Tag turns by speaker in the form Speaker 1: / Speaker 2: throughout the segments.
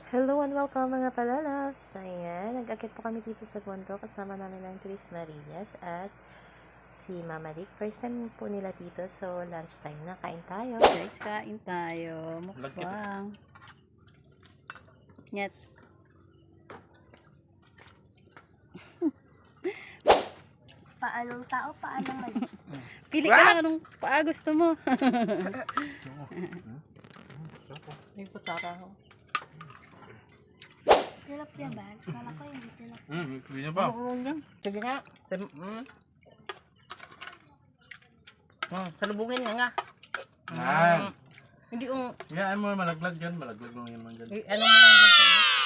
Speaker 1: Hello and welcome mga palalabs! Ayan, nag-akit po kami dito sa bundok kasama namin ng Tris Marias at si Mama Dick. First time po nila dito, so lunchtime na. Kain tayo.
Speaker 2: Guys, kain tayo. Mukbang. Nyet.
Speaker 3: Paanong tao, paanong mali.
Speaker 2: Pili ka lang anong paa gusto mo.
Speaker 1: May putara ko.
Speaker 3: Tilapia ba? Kala ko hindi tilapia.
Speaker 4: Hindi niya pa.
Speaker 1: Sige nga. Salubungin nga.
Speaker 4: Yan.
Speaker 1: Hindi yung...
Speaker 4: Yan mo, malaglag yan. Malaglag mo yan man dyan.
Speaker 1: Ano mo lang dito?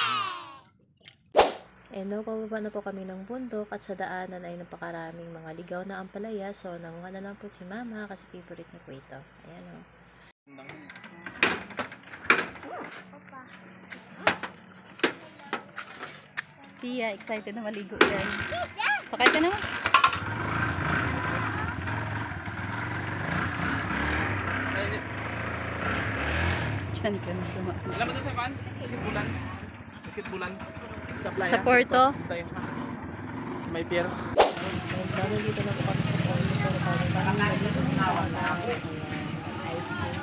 Speaker 1: Pababa na po kami ng bundok at sa daanan ay napakaraming mga ligaw na ampalaya. So, nanguha na lang po si Mama kasi favorite niya po ito. Ayan o.
Speaker 2: Tia, excited na maligo yan. Sakay ka naman. Diyan ka na tumak.
Speaker 4: Alam mo ito sa pan? Basketbulan. Basketbulan. Sa playa.
Speaker 2: Sa Porto.
Speaker 4: Tayo. May pier.
Speaker 1: Dahil dito na po kami sa Porto. Pero kami dito na ice cream.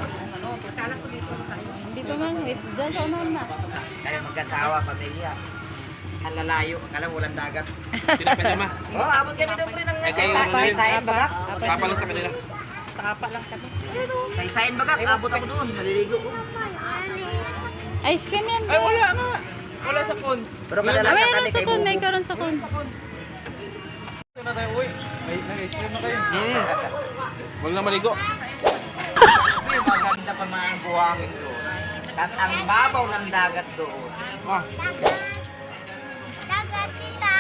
Speaker 2: Hindi pa man. Wait, dyan sa unahan na.
Speaker 5: Kaya mag-asawa, pamilya. Ang lalayo, akala walang dagat.
Speaker 4: Tinapin naman.
Speaker 5: Oh, abot kami daw rin ng
Speaker 4: kayo,
Speaker 5: saysayin baga.
Speaker 4: Sapa lang sa kanila.
Speaker 2: Sapa lang kami.
Speaker 5: Saysayin baga, abot ako doon, naliligo ko.
Speaker 2: Ice cream yan.
Speaker 4: Ay, wala nga. Wala sa phone.
Speaker 5: Pero
Speaker 2: Ah,
Speaker 5: kadalasan
Speaker 2: mayroon
Speaker 5: kami
Speaker 2: sa
Speaker 5: kay
Speaker 2: kon. May
Speaker 5: Bubo.
Speaker 2: karon sa kon.
Speaker 4: Ito na tayo, uy. May nag-ice cream na kayo. Huwag na maligo.
Speaker 5: Uy, maganda pa mga buhangin doon. Tapos ang babaw ng dagat doon.
Speaker 4: Ah.
Speaker 3: Dagat, tita.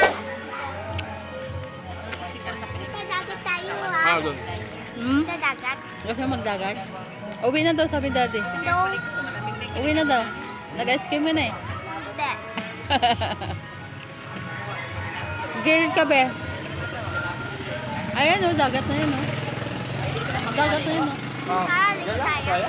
Speaker 3: Tita, dagat tayo ha.
Speaker 4: Doon.
Speaker 3: Sa dagat.
Speaker 2: Gusto mo magdagat? Uwi na daw, sabi daddy.
Speaker 3: No.
Speaker 2: Uwi na daw. Nag-ice cream ka na eh.
Speaker 3: Hindi.
Speaker 2: Girl ka be. Ayan o, dagat na yun o. Dagat na yun o.
Speaker 3: Halit tayo.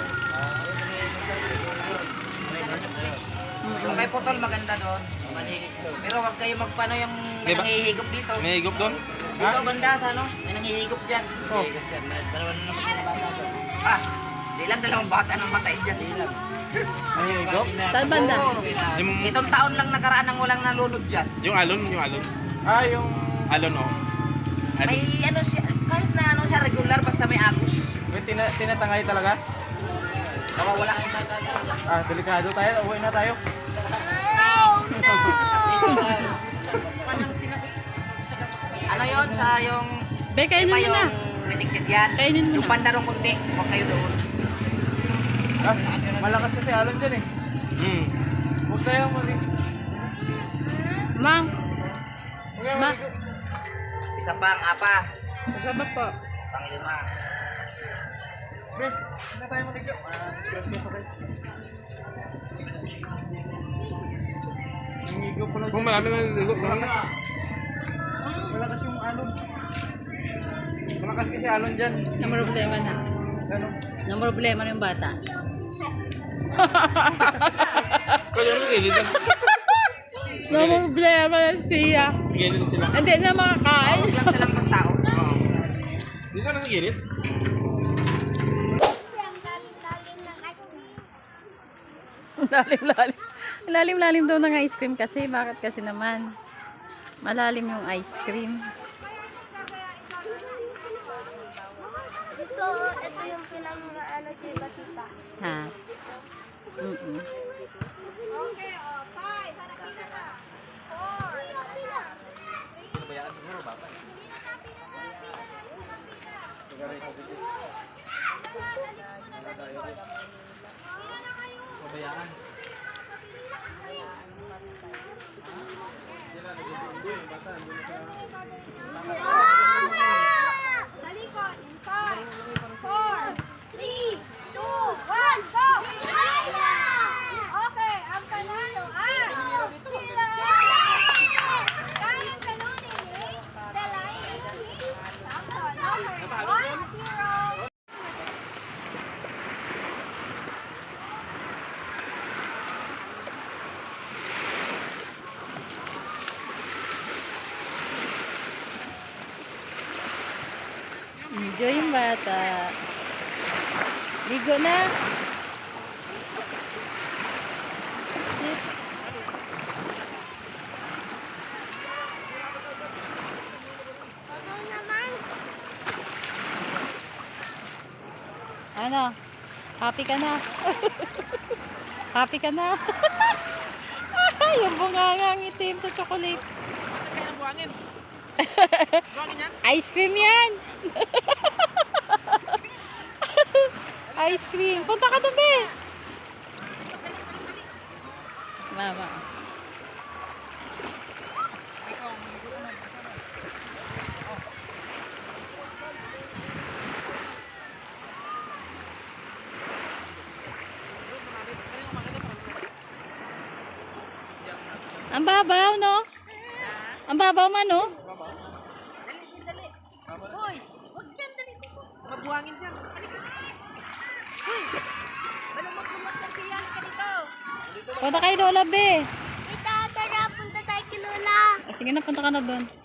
Speaker 5: Yung kay Putol maganda doon. Pero huwag kayo magpano yung may
Speaker 4: Diba?
Speaker 5: nangihigop dito.
Speaker 4: May higop doon?
Speaker 5: Dito banda sa ano, may nangihigop dyan.
Speaker 4: Oh.
Speaker 5: Ah, di lang dalawang bata nang matay dyan.
Speaker 4: May higop?
Speaker 2: Saan banda?
Speaker 5: Oo. Itong taon lang nakaraan ang walang nalunod dyan.
Speaker 4: Yung alon, yung alon. Ah, yung... Alon, oh. Alon.
Speaker 5: May ano siya, kahit na ano siya regular basta may agos.
Speaker 4: May tinatangay talaga?
Speaker 5: Nawawala.
Speaker 4: Ah, delikado tayo. Uwi na tayo.
Speaker 5: Ano yon sa yung
Speaker 2: Be, kainin
Speaker 5: iba
Speaker 2: mo na.
Speaker 5: yung critic seat yan.
Speaker 2: Kainin mo
Speaker 5: Yung
Speaker 2: na.
Speaker 5: pandarong kunti, huwag kayo doon.
Speaker 4: Ah, malakas kasi alon dyan eh. Huwag tayo maligo.
Speaker 2: Mang,
Speaker 4: Huwag tayo
Speaker 2: Ma.
Speaker 4: maligo.
Speaker 5: Isa pa ang apa,
Speaker 2: magkabak po.
Speaker 5: pang lima.
Speaker 4: Be, huwag na tayo maligo. Disgrasya pa tayo. Nangigo pala. Kung marami maligo, malakas yung alon. Malakas kasi alon dyan.
Speaker 2: Namroblema na.
Speaker 4: Ano?
Speaker 2: Namroblema na yung bata.
Speaker 4: Kaya yung gilid lang.
Speaker 2: Namroblema na siya.
Speaker 4: Gilid sila.
Speaker 2: Hindi na makakain.
Speaker 5: Huwag lang silang mas tao.
Speaker 4: Dito na sa gilid?
Speaker 2: Lalim-lalim. Lalim-lalim daw ng ice cream kasi. Bakit kasi naman? Malalim yung ice cream.
Speaker 3: Ito yung pinang-ano tita, tita.
Speaker 2: Ha? Mm-mm.
Speaker 3: Okay, 5. Harapin na. 4.
Speaker 4: Pinabayaan siguro bata. Pabayaan. Sila nag-undo yung bata.
Speaker 3: Talikod in 5, 4, 3, 2, 1, go! Okay, ang panalo ay sila! Kayang talunin eh. The line is hit. Samson, number 1-0.
Speaker 2: bata. Ligo na.
Speaker 3: Ano naman?
Speaker 2: Ano? Happy ka na? Happy ka na? Yung bungangang itim sa chocolate. Ice cream yan! Ice cream. Punta ka doon, be! Mama. Ang babaw, no? Ang babaw man, no? Punta kay Lola, be.
Speaker 3: Tita, tara, punta tayo kay Lola.
Speaker 2: Sige na, punta ka na doon.